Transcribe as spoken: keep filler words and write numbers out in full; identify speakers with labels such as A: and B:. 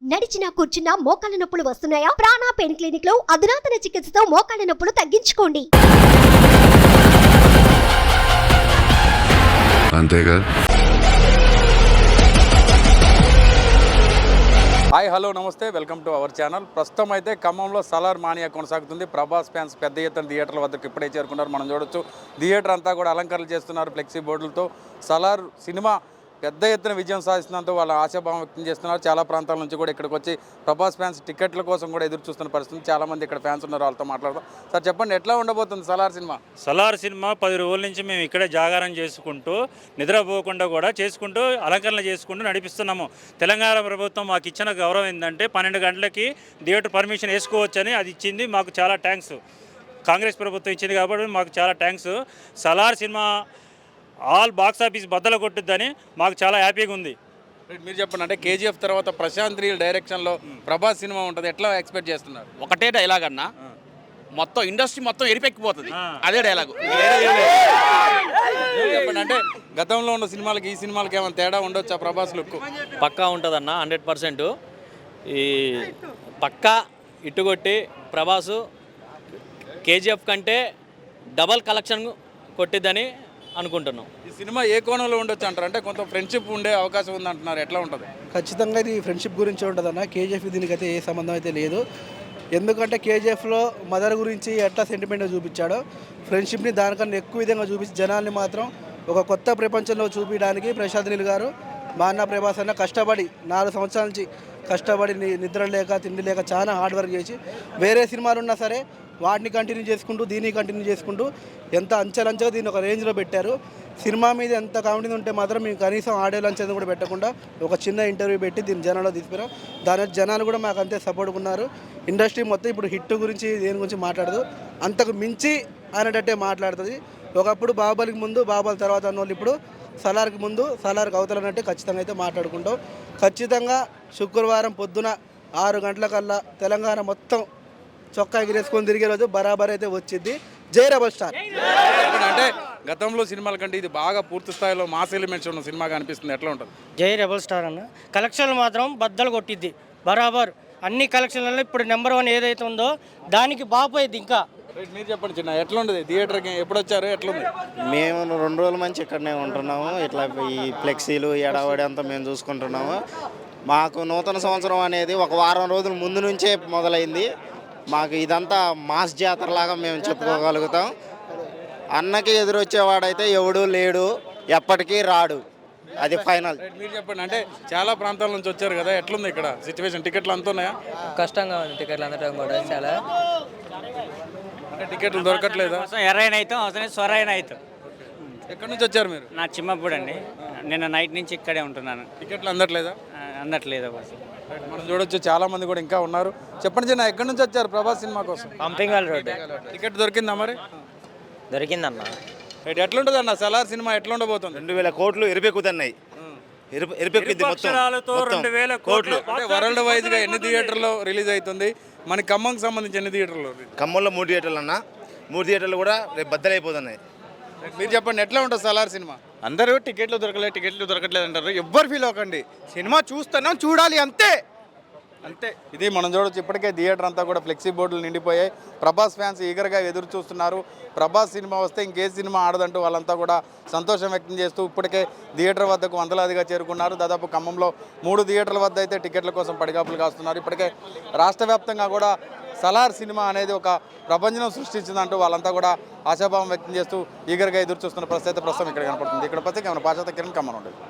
A: నడిచినా కూర్చున్నా మోకాళ్ళ నొప్పులు వస్తున్నాయా? ప్రాణ పెయిన్ క్లినిక్ లో అధునాతన చికిత్సతో మోకాళ్ళ నొప్పులు తగ్గించుకోండి.
B: అంతేగా.
C: హాయ్ హలో నమస్తే, వెల్కమ్ టు అవర్ ఛానల్. ప్రస్తుతం అయితే ఖమ్మంలో సలార్ మానియా కొనసాగుతుంది. ప్రభాస్ ఫ్యాన్స్ పెద్ద ఎత్తున థియేటర్ల వద్దకు ఇప్పుడే చేరుకున్నారు. మనం చూడొచ్చు, థియేటర్ అంతా కూడా అలంకరణలు చేస్తున్నారు ఫ్లెక్సీ బోర్డులతో. సలార్ సినిమా పెద్ద ఎత్తున విజయం సాధిస్తున్నందుకు వాళ్ళ ఆశాభావం వ్యక్తం చేస్తున్నారు. చాలా ప్రాంతాల నుంచి కూడా ఇక్కడికి వచ్చి ప్రభాస్ ఫ్యాన్స్ టికెట్ల కోసం కూడా ఎదురు చూస్తున్న పరిస్థితి. చాలామంది ఇక్కడ ఫ్యాన్స్ ఉన్నారు, వాళ్ళతో మాట్లాడదాం. సార్ చెప్పండి, ఎట్లా ఉండబోతుంది సలార్ సినిమా?
D: సలార్ సినిమా పది రోజుల నుంచి మేము ఇక్కడే జాగారం చేసుకుంటూ నిద్రపోకుండా కూడా చేసుకుంటూ అలంకరణ చేసుకుంటూ నడిపిస్తున్నాము. తెలంగాణ ప్రభుత్వం మాకు ఇచ్చిన గౌరవం ఏంటంటే పన్నెండు గంటలకి థియేటర్ పర్మిషన్ వేసుకోవచ్చని అది ఇచ్చింది. మాకు చాలా థ్యాంక్స్. కాంగ్రెస్ ప్రభుత్వం ఇచ్చింది కాబట్టి మాకు చాలా థ్యాంక్స్. సలార్ సినిమా ఆల్ బాక్స్ ఆఫీస్ బద్దలు కొట్టుద్దని మాకు చాలా హ్యాపీగా ఉంది.
C: మీరు చెప్పండి, అంటే కేజీఎఫ్ తర్వాత ప్రశాంత్ నీల్ డైరెక్షన్లో ప్రభాస్ సినిమా ఉంటుంది, ఎట్లా ఎక్స్పెక్ట్ చేస్తున్నారు?
E: ఒకటే డైలాగ్ అన్న, మొత్తం ఇండస్ట్రీ మొత్తం ఎరిపెక్కిపోతుంది, అదే డైలాగు.
C: చెప్పండి, అంటే గతంలో ఉన్న సినిమాలకి ఈ సినిమాలకి ఏమైనా తేడా ఉండొచ్చా? ప్రభాస్ లుక్
F: పక్కా ఉంటుందన్న, హండ్రెడ్ పర్సెంట్. ఈ పక్కా ఇట్టుకొట్టి ప్రభాసు కేజీఎఫ్ కంటే డబల్ కలెక్షన్ కొట్టిద్దని అనుకుంటున్నాం.
C: ఈ సినిమా ఏ కోణంలో ఉండొచ్చు అంటారు? అంటే కొంత ఫ్రెండ్షిప్ ఉండే అవకాశం ఉంది అంటున్నారు, ఎట్లా ఉంటుంది?
G: ఖచ్చితంగా ఇది ఫ్రెండ్షిప్ గురించి ఉంటుంది అన్న. కేజీఎఫ్ దీనికైతే ఏ సంబంధం అయితే లేదు. ఎందుకంటే కేజీఎఫ్లో మదర్ గురించి ఎట్లా సెంటిమెంట్గా చూపించాడో, ఫ్రెండ్షిప్ని దానికన్నా ఎక్కువ విధంగా చూపించి జనాల్ని మాత్రం ఒక కొత్త ప్రపంచంలో చూపించడానికి ప్రశాంత్ నీల్ గారు, మా అన్న ప్రభాస్ అన్న కష్టపడి నాలుగు సంవత్సరాల నుంచి కష్టపడి నిద్ర లేక తిండి లేక చాలా హార్డ్ వర్క్ చేసి వేరే సినిమాలు ఉన్నా సరే వాటిని కంటిన్యూ చేసుకుంటూ దీన్ని కంటిన్యూ చేసుకుంటూ ఎంత అంచెలంచెగా దీన్ని ఒక రేంజ్లో పెట్టారు. సినిమా మీద ఎంత కామెడీ ఉంటే మాత్రం మేము కనీసం ఆడియో లంచ్ కూడా పెట్టకుండా ఒక చిన్న ఇంటర్వ్యూ పెట్టి దీన్ని జనాల్లో తీసుకురాం. దాని జనాలు కూడా మాకు అంతే సపోర్ట్ ఉన్నారు. ఇండస్ట్రీ మొత్తం ఇప్పుడు హిట్ గురించి దేని గురించి మాట్లాడదు, అంతకు మించి అనేటట్టే మాట్లాడుతుంది. ఒకప్పుడు బాహుబలికి ముందు బాహుబలి తర్వాత అన్న వాళ్ళు ఇప్పుడు సలార్కి ముందు సలార్కి అవతలనంటే ఖచ్చితంగా అయితే మాట్లాడుకుంటాం. ఖచ్చితంగా శుక్రవారం పొద్దున ఆరు గంటలకల్లా తెలంగాణ మొత్తం చొక్కా ఎగిరేసుకొని తిరిగే రోజు బరాబర్ అయితే వచ్చింది. జై రెబల్ స్టార్.
C: అంటే గతంలో సినిమాల కంటే ఇది బాగా పూర్తి స్థాయిలో మాస్ ఎలిమెంట్స్ ఉన్న సినిమాగా అనిపిస్తుంది, ఎట్లా ఉంటుంది?
H: జై రెబల్ స్టార్ అన్న, కలెక్షన్లు మాత్రం బద్దలు కొట్టిద్ది బరాబర్. అన్ని కలెక్షన్లలో ఇప్పుడు నెంబర్ వన్ ఏదైతే ఉందో దానికి బాపోయింది. ఇంకా
C: మీరు చెప్పండి చిన్న, ఎట్లా ఉంటుంది థియేటర్కి? ఎప్పుడు వచ్చారు, ఎట్లుంది?
I: మేము రెండు రోజుల నుంచి ఇక్కడనే ఉంటున్నాము. ఇట్లా ఈ ఫ్లెక్సీలు ఎడవడి అంతా మేము చూసుకుంటున్నాము. మాకు నూతన సంవత్సరం అనేది ఒక వారం రోజుల ముందు నుంచే మొదలైంది. మాకు ఇదంతా మాస్ జాతరలాగా మేము చెప్పుకోగలుగుతాం. అన్నకి ఎదురొచ్చేవాడైతే ఎవడు లేడు, ఎప్పటికీ రాడు, అది ఫైనల్.
C: మీరు చెప్పండి, అంటే చాలా ప్రాంతాల నుంచి వచ్చారు కదా, ఎట్లుంది ఇక్కడ సిచ్యువేషన్? టికెట్లు అంత ఉన్నాయా?
H: కష్టంగా ఉంది టికెట్లు అందడం కూడా చాలా.
C: అంటే టికెట్లు దొరకట్లేదా?
H: ఎర్రైన అవుతాం అవసరం స్వరైన అవుతాం.
C: ఎక్కడి నుంచి వచ్చారు మీరు?
H: నా చిమ్మప్పుడు అండి, నిన్న నైట్ నుంచి ఇక్కడే ఉంటున్నాను.
C: టికెట్లు అందట్లేదా?
H: అందట్లేదు.
C: మనం చూడొచ్చు, చాలా మంది కూడా ఇంకా ఉన్నారు. చెప్పండి చిన్న, ఎక్కడి నుంచి వచ్చారు ప్రభాస్ సినిమా కోసం?
H: పంపింగాల్ రోడ్.
C: టికెట్ దొరికిందా మరి?
H: దొరికిందన్న.
C: ఎట్లుంటుంది అన్న సలార్ సినిమా, ఎట్లా ఉండబోతుంది?
I: రెండు వేల కోట్లు ఎరిపెక్కుతున్నాయి. ఎరిపెక్కింది మొత్తం
D: రెండు వేల కోట్లు.
C: అంటే వరల్డ్ వైజ్ గా ఎన్ని థియేటర్లో రిలీజ్ అవుతుంది? మన ఖమ్మంకి సంబంధించి ఎన్ని థియేటర్లు?
I: ఖమ్మంలో మూడు థియేటర్లు అన్న, మూడు థియేటర్లు కూడా రేపు బద్దలైపోతున్నాయి.
C: మీరు చెప్పండి, ఎట్లా ఉంటుంది సలార్ సినిమా?
J: అందరూ టికెట్లు దొరకలేదు టికెట్లు దొరకట్లేదు అంటారు. ఎవ్వరు ఫీల్ అవ్వకండి, సినిమా చూస్తున్నాం, చూడాలి, అంతే అంతే.
C: ఇది మనం చూడొచ్చు, ఇప్పటికే థియేటర్ అంతా కూడా ఫ్లెక్సీ బోర్డులు నిండిపోయాయి. ప్రభాస్ ఫ్యాన్స్ ఈగర్గా ఎదురు చూస్తున్నారు. ప్రభాస్ సినిమా వస్తే ఇంకే సినిమా ఆడదంటూ వాళ్ళంతా కూడా సంతోషం వ్యక్తం చేస్తూ ఇప్పటికే థియేటర్ వద్దకు వందలాదిగా చేరుకున్నారు. దాదాపు ఖమ్మంలో మూడు థియేటర్ల వద్ద అయితే టికెట్ల కోసం పడిగాపులు కాస్తున్నారు. ఇప్పటికే రాష్ట్ర వ్యాప్తంగా కూడా సలార్ సినిమా అనేది ఒక ప్రపంచం సృష్టించిందంటూ వాళ్ళంతా కూడా ఆశాభావం వ్యక్తం చేస్తూ ఈగర్గా ఎదురు చూస్తున్న పరిస్థితి ప్రస్తుతం ఇక్కడ కనపడుతుంది. ఇక్కడ ప్రత్యేక పాశ్చాత్య కిరణ్ ఖమ్మం ఉండేది.